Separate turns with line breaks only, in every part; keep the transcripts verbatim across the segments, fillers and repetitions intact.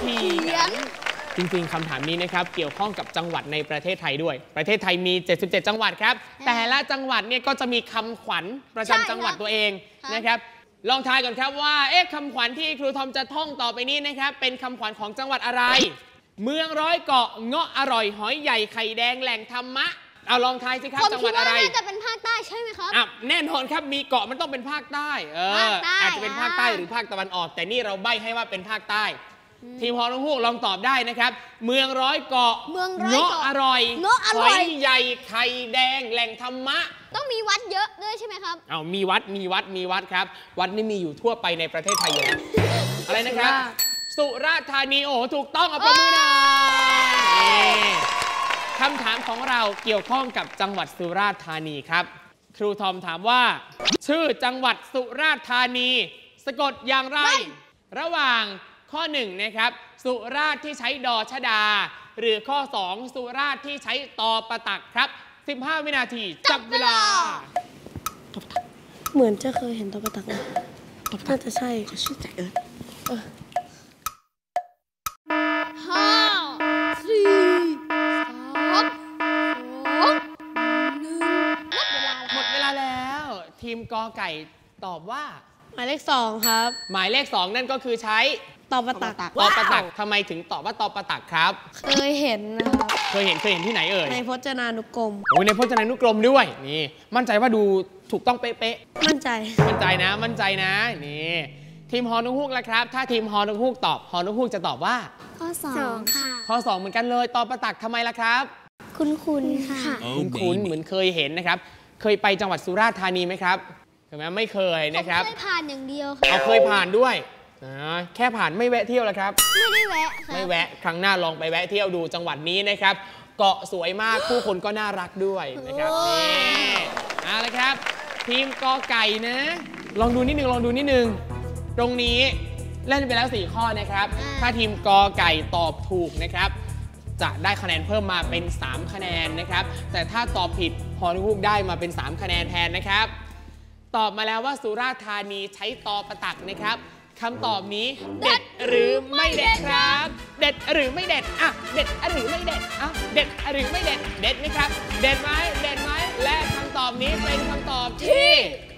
เถียงจริงๆคำถามนี้นะครับเกี่ยวข้องกับจังหวัดในประเทศไทยด้วยประเทศไทยมีเจ็ดสิบเจ็ดจังหวัดครับแต่ละจังหวัดเนี่ยก็จะมีคำขวัญประจำจังหวัดตัวเองนะครับลองทายก่อนครับว่าเอ๊ะคำขวัญที่ครูทอมจะท่องต่อไปนี้นะครับเป็นคำขวัญของจังหวัดอะไรเมืองร้อยเกาะเงาะอร่อยหอยใหญ่ไข่แดงแหล่งธรรมะเอาลองทายสิครับจังหวัดอะไรผมคิดว่าน่าจะเป็นภาคใต้ใช่ไหมครับอ่ะแน่นอนครับมีเกาะมันต้องเป็นภาคใต้เอออาจจะเป็นภาคใต้หรือภาคตะวันออกแต่นี่เราใบ้ให้ว่าเป็นภาคใต้ทีมฮอนุฮูกลองตอบได้นะครับเมืองร้อยเกาะเงาะอร่อยหอยใหญ่ไข่แดงแหล่งธรรมะต้องมีวัดเยอะด้วยใช่ไหมครับเอามีวัดมีวัดมีวัดครับวัดนี่มีอยู่ทั่วไปในประเทศไทยอยู่แล้วอะไรนะครับสุราษฎร์ธานีโอ้ถูกต้องเอาประมือหน่อยคำถามของเราเกี่ยวข้องกับจังหวัดสุราษฎร์ธานีครับครูทอมถามว่าชื่อจังหวัดสุราษฎร์ธานีสะกดอย่างไรระหว่างข้อหนึ่งนะครับสุราษฎร์ที่ใช้ดอชดาหรือข้อสองสุราษฎร์ที่ใช้ตอประตักครับสิบห้าวินาทีจับเวลา
เหมือนจะเคยเห็นตอประตักนะน่าจะใช่
เขาชื่อใจเอิร์ธ
ห้าสี่สามสองหนึ่งหมดเวลาแล้วทีมกอไก่ตอบว่า
หมายเลขสองครับ
หมายเลขสองนั่นก็คือใช้
ตอประตัก
ตอประตักทำไมถึงตอบว่าตอประตักครับ
เคยเห็นนะครับ
เคยเห็นเคยเห็นที่ไหนเอ่ย
ในพจนานุกรม
โอ้ยในพจนานุกรมด้วยนี่มั่นใจว่าดูถูกต้องเป๊ะ
ๆมั่นใจ
มั่นใจนะมั่นใจนะนี่ทีมฮอนุฮูกแล้วครับถ้าทีมฮอนุฮูกตอบฮอนุฮูกจะตอบว่า
ข้อสองค่ะ
ข้อสองเหมือนกันเลยตอประตักทำไมล่ะครับ
คุ้นคุ้นค่ะ
คุ้นคุ้นเหมือนเคยเห็นนะครับเคยไปจังหวัดสุราษฎร์ธานีไหมครับเห็นไหมไม่เคยนะครับ
เคยผ่านอย่างเดียว
เอาเคยผ่านด้วยแค่ผ่านไม่แวะเที่ยวแล้วครับ
ไม่ได้แวะ
ไม่แวะครั้งหน้าลองไปแวะเที่ยวดูจังหวัดนี้นะครับเกาะสวยมากผู้คนก็น่ารักด้วยนะครับนี่เอาละครับทีมกอไก่นะลองดูนิดนึงลองดูนิดนึงตรงนี้เล่นไปแล้วสี่ข้อนะครับถ้าทีมกอไก่ตอบถูกนะครับจะได้คะแนนเพิ่มมาเป็นสามคะแนนนะครับแต่ถ้าตอบผิดฮอนุฮูกได้มาเป็นสามคะแนนแทนนะครับตอบมาแล้วว่าสุราษฎร์ธานีใช้ตอประตักนะครับคำตอบนี้เด็ดหรือไม่เด็ดครับเด็ดหรือไม่เด็ดอ่ะเด็ดหรือไม่เด็ดอ่ะเด็ดหรือไม่เด็ดเด็ดไหมครับเด็ดไหมเด็ดไหมและคำตอบนี้เป็นคำตอบที่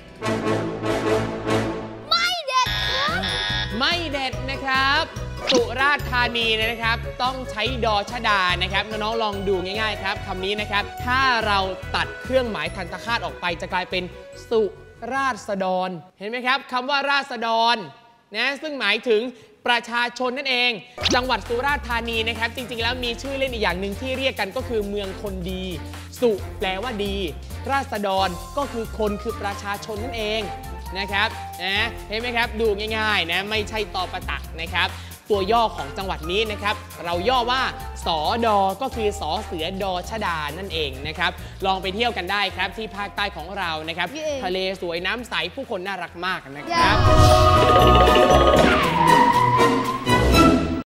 ไม่เด็ดครับ
ไม่เด็ดนะครับสุราษฎร์ธานีนะครับต้องใช้ดอชดานะครับน้องๆลองดูง่ายๆครับคำนี้นะครับถ้าเราตัดเครื่องหมายทันตคาตออกไปจะกลายเป็นสุราษฎรเห็นไหมครับคำว่าราษฎรนะซึ่งหมายถึงประชาชนนั่นเองจังหวัดสุราษฎร์ธานีนะครับจริงๆแล้วมีชื่อเล่นอีกอย่างหนึ่งที่เรียกกันก็คือเมืองคนดีสุแปลว่าดีราษฎรก็คือคนคือประชาชนนั่นเองนะครับนะเห็นไหมครับดูง่ายๆนะไม่ใช่ตอประตักนะครับตัวย่อของจังหวัดนี้นะครับเราย่อว่าสอดอก็คือสอเสือดอชดานั่นเองนะครับลองไปเที่ยวกันได้ครับที่ภาคใต้ของเรานะครับทะเลสวยน้ำใสผู้คนน่ารักมากนะครับ